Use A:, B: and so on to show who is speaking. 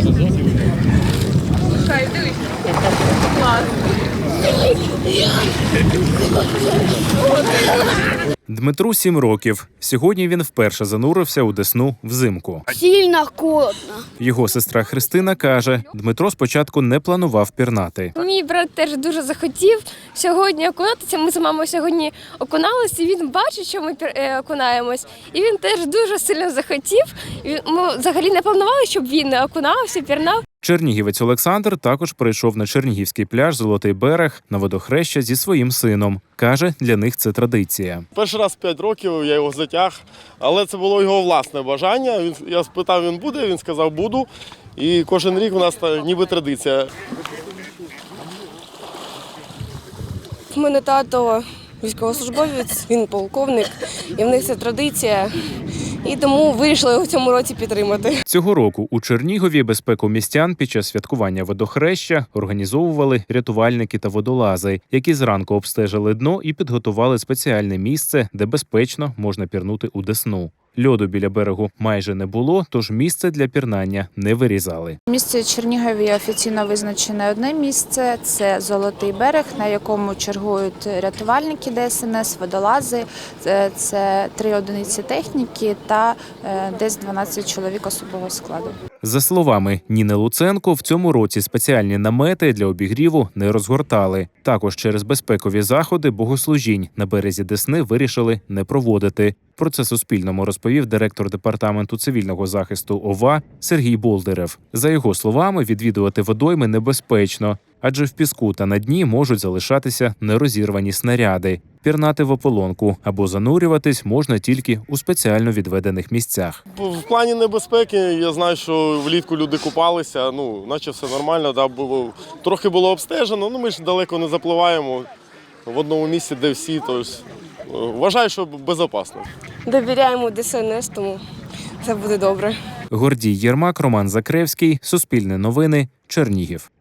A: Дмитру 7 років. Сьогодні він вперше занурився у Десну взимку.
B: Сильно холодно.
A: Його сестра Христина каже, Дмитро спочатку не планував пірнати.
C: Мій брат теж дуже захотів сьогодні окунатися. Ми з мамою сьогодні окуналися, і він бачить, що ми окунаємось. І він теж дуже сильно захотів. Ми взагалі не планували, щоб він окунався, пірнав.
A: Чернігівець Олександр також прийшов на чернігівський пляж «Золотий берег» на водохреща зі своїм сином. Каже, для них це традиція.
D: Перший раз в 5 років я його затяг, але це було його власне бажання. Я спитав, він буде, він сказав, буду. І кожен рік у нас ніби традиція.
E: У мене тато військовослужбовець, він полковник, і в них це традиція. І тому вирішили його в цьому році підтримати.
A: Цього року у Чернігові безпеку містян під час святкування водохреща організовували рятувальники та водолази, які зранку обстежили дно і підготували спеціальне місце, де безпечно можна пірнути у Десну. Льоду біля берегу майже не було, тож місце для пірнання не вирізали.
F: В місті Чернігові офіційно визначене одне місце – це Золотий берег, на якому чергують рятувальники ДСНС, водолази, це 3 одиниці техніки та десь 12 чоловік особового складу.
A: За словами Ніни Луценко, в цьому році спеціальні намети для обігріву не розгортали. Також через безпекові заходи богослужінь на березі Десни вирішили не проводити. Про це Суспільному розповів директор департаменту цивільного захисту ОВА Сергій Болдирев. За його словами, відвідувати водойми небезпечно, адже в піску та на дні можуть залишатися нерозірвані снаряди. Пірнати в ополонку або занурюватись можна тільки у спеціально відведених місцях.
D: В плані небезпеки я знаю, що влітку люди купалися, наче все нормально, трохи було обстежено, ми ж далеко не запливаємо в одному місці, де всі, тобто вважаю, що безпечно.
E: Довіряємо ДСНС, тому все буде добре.
A: Гордій Єрмак, Роман Закревський, Суспільне новини, Чернігів.